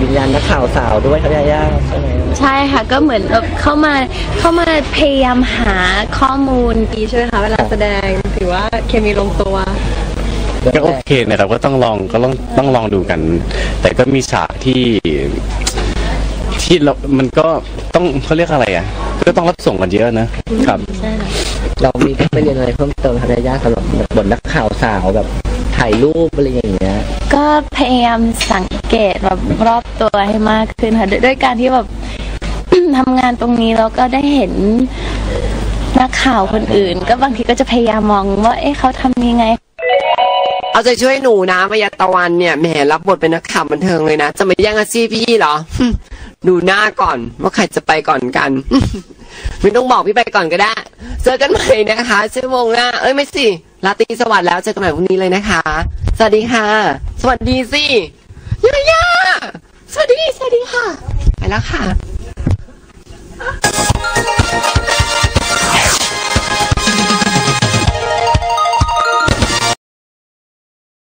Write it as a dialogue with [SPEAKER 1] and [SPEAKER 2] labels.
[SPEAKER 1] วิญญาณนักข่าวสาวด้วยครับย่าใช่ไหม
[SPEAKER 2] ใช่ค่ะก็เหมือนแบบเข้ามาพยายามหาข้อมูล
[SPEAKER 3] ดีใช่ไหมคะเวลาแสดงถือว่าเคมีลงตัว
[SPEAKER 4] ก็โอเคนะครับก็ต้องลองดูกันแต่ก็มีฉากที่เรามันก็ต้องเขาเรียกอะไรอ่ะก็ต้องรับส่งกันเยอะนะครับ
[SPEAKER 1] เรามีไปเรียนอะไรเพิ่มเติมครับย่าสำหรับบทนักข่าวสาวแบบถ่ายรูปอะไรอย่างเงี้ย
[SPEAKER 2] ก็พยายามสังเกตแบบรอบตัวให้มากขึ้นค่ะด้วยการที่แบบ ทำงานตรงนี้แล้วก็ได้เห็นนักข่าวคนอื่นก็บางทีก็จะพยายามมองว่าเขาทำยังไง
[SPEAKER 5] เอาใจช่วยหนูนะมายาตะวันเนี่ยแหมรับบทเป็นนักข่าวบันเทิงเลยนะจะมาแย่งอาชีพพี่เหรอ ดูหน้าก่อนว่าใครจะไปก่อนกัน ไม่ต้องบอกพี่ไปก่อนก็ได้เจอกันใหม่นะคะชั่วโมงหน้าไม่สิราตรีสวัสดิ์แล้วเจอกันใหม่พรุ่งนี้เลยนะคะสวัสดีค่ะสวัสดีสิย่าสวัสดีค่ะไปแล้วค่ะ